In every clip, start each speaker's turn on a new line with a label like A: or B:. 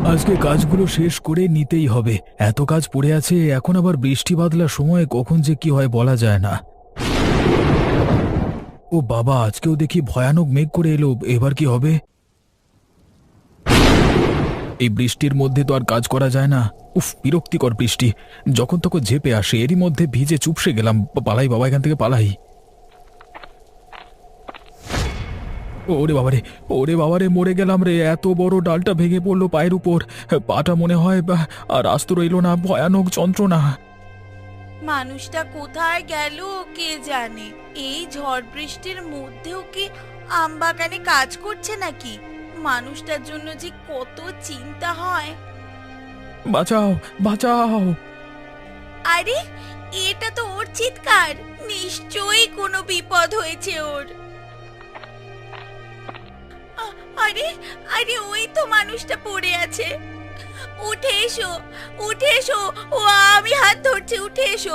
A: আজকে কাজগুলো শেষ করে নিতেই হবে। এত কাজ পড়ে আছে, এখন আবার বৃষ্টি বাদলার সময় কখন যে কি হয় বলা যায় না। ও বাবা, আজকেও দেখি ভয়ানক মেঘ করে এলো, এবার কি হবে? এই বৃষ্টির মধ্যে তো আর কাজ করা যায় না। উফ, বিরক্তিকর বৃষ্টি, যখন তখন ঝেপে আসে, এরই মধ্যে ভিজে চুপসে গেলাম। পালাই বাবা, এখান থেকে পালাই। ওরে বাবারে, ওরে বাবারে, মরে গেলাম রে! এত বড় ডালটা ভেঙে পড়লো পায়ের উপর, পাটা মনে হয় আর আস্ত রইল না, ভয়ানক যন্ত্রণা।
B: মানুষটা কোথায় গেল কে জানে। এই ঝড় বৃষ্টির মধ্যেও কি আম বাগানে কাজ করছে নাকি? মানুষটার জন্য যে কত চিন্তা হয়।
A: বাঁচাও, বাঁচাও!
B: আরে, এটা তো ওর চিৎকার। নিশ্চয়ই কোনো বিপদ হয়েছে ওর। আরে আরে, ওই তো মানুষটা পড়ে আছে। উঠে এসো, উঠে এসো, ও আমি হাত ধরছি, উঠে এসো।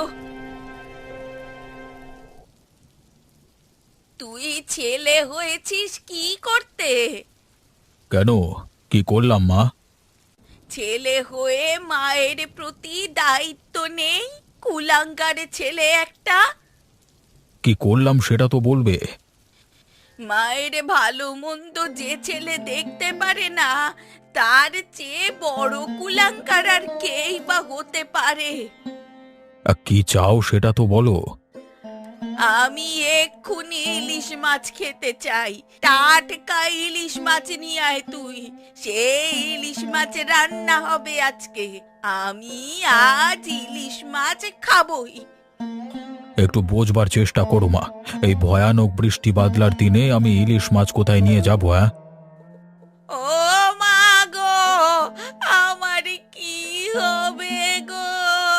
B: তুই ছেলে হয়েছিস কি করতে?
A: কেন, কি করলাম মা?
B: ছেলে হয়ে মায়ের প্রতি দায়িত্ব নেই? কুলাঙ্গারে ছেলে একটা।
A: কি করলাম সেটা তো বলবে।
B: মায়ের ভালো মন্দ যে ছেলে দেখতে পারে না, তার চেয়ে বড় কুলাঙ্গার আর কেই বা হতে পারে?
A: কি চাও সেটা তো বলো।
B: আমি এক্ষুনি ইলিশ মাছ খেতে চাই। টাটকা ইলিশ মাছ নিয়ে আয় তুই। সেই ইলিশ মাছ রান্না হবে আজকে। আমি আজ ইলিশ মাছ খাবই।
A: একটু বোঝবার চেষ্টা করো মা, এই ভয়ানক বৃষ্টি বাদলার দিনে আমি ইলিশ মাছ কোথায় নিয়ে যাবো? হ্যাঁ,
B: ও মা গো, আমার কি হবে গো?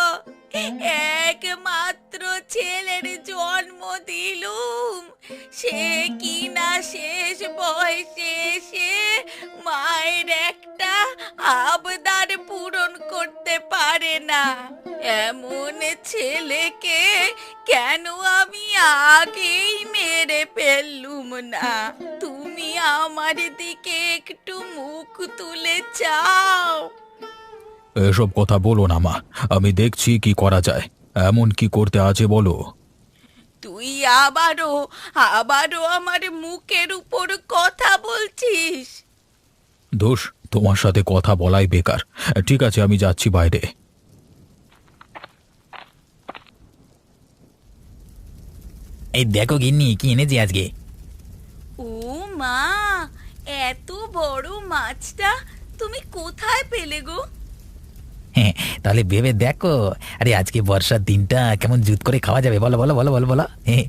B: একমাত্র ছেলের জন্ম দিলুম, সে কি না শেষ বয়সে এসে মায়ের একটা আবদার পূরণ করতে পারে না। এমন ছেলেকে কেন আমি আগেই মেরে ফেললুম না? তুমি আমার দিকে একটু মুখ তুলে চাও।
A: এসব কথা বলো না মা, আমি দেখছি কি করা যায়। এমন কি করতে আছে বলো।
B: তুই আবারও আবারও আমার মুখের উপর কথা বলছিস।
A: দোষ, তোমার সাথে কথা বলাই বেকার। ঠিক আছে, আমি যাচ্ছি বাইরে।
C: এই দেখো গিন্নি, কি এনেছি আজকে।
B: ও মা, এত বড় মাছটা তুমি কোথায় পেলে গো?
C: হ্যাঁ, তাহলে ভেবে দেখো। আরে আজকে বর্ষার দিনটা কেমন জুত করে খাওয়া যাবে, বলো বলো বলো বলো বলো। হ্যাঁ,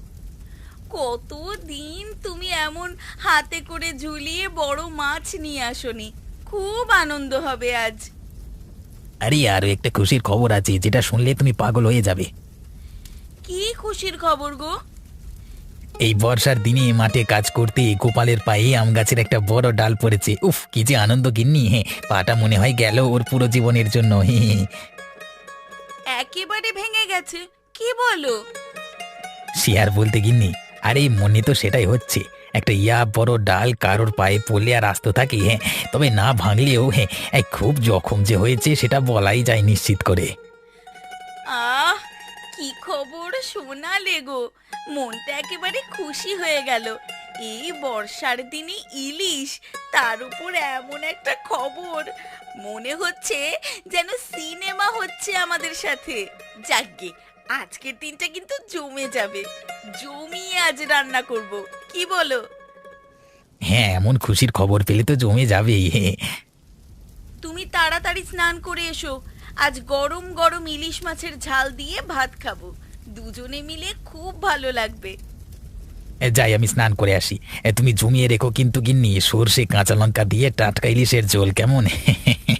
B: কতদিন তুমি এমন হাতে করে ঝুলিয়ে বড় মাছ নিয়ে আসনি। খুব আনন্দ হবে আজ।
C: আরে আরো একটা খুশির খবর আছে, যেটা শুনলে তুমি পাগল হয়ে যাবে।
B: কি খুশির খবর গো?
C: এই বর্ষার দিনে মাঠে কাজ করতে গোপালের পায়ে আম গাছের একটা বড় ডাল পড়েছে। উফ, কি যে আনন্দ গিন্নি! হ্যাঁ, পাটা মনে হয় গেল ওর পুরো জীবনের জন্য। হ্যাঁ,
B: একেবারে ভেঙে গেছে? কি বলো?
C: সে আর বলতে গিন্নি, আরে মনে তো সেটাই হচ্ছে। একটা বড় ডাল কারোর পায়ে পড়লে আর আস্ত থাকে? হ্যাঁ, তবে না ভাঙলেও হ্যাঁ, খুব জখম যে হয়েছে সেটা বলাই যায় নিশ্চিত করে।
B: আহ, কি খবর শোনালে গো! মনটা একেবারে খুশি হয়ে গেল। এই বর্ষার দিনে ইলিশ, তার উপর এমন একটা খবর। মনে হচ্ছে যেন সিনেমা হচ্ছে আমাদের সাথে। যাকগে, আজকের দিনটা কিন্তু জমে যাবে। জমিয়ে আজ রান্না করব, কি বলো?
C: হ্যাঁ, এমন খুশির খবর পেলে তো জমে যাবেই। হ্যাঁ,
B: তুমি তাড়াতাড়ি স্নান করে এসো। আজ গরম গরম ইলিশ মাছের ঝাল দিয়ে ভাত খাবো। দুজনে মিলে খুব ভালো লাগবে।
C: যাই আমি স্নান করে আসি। তুমি জমিয়ে রেখো কিন্তু গিন্নি, সর্ষে কাঁচা লঙ্কা দিয়ে টাটকা ইলিশের ঝোল, কেমন?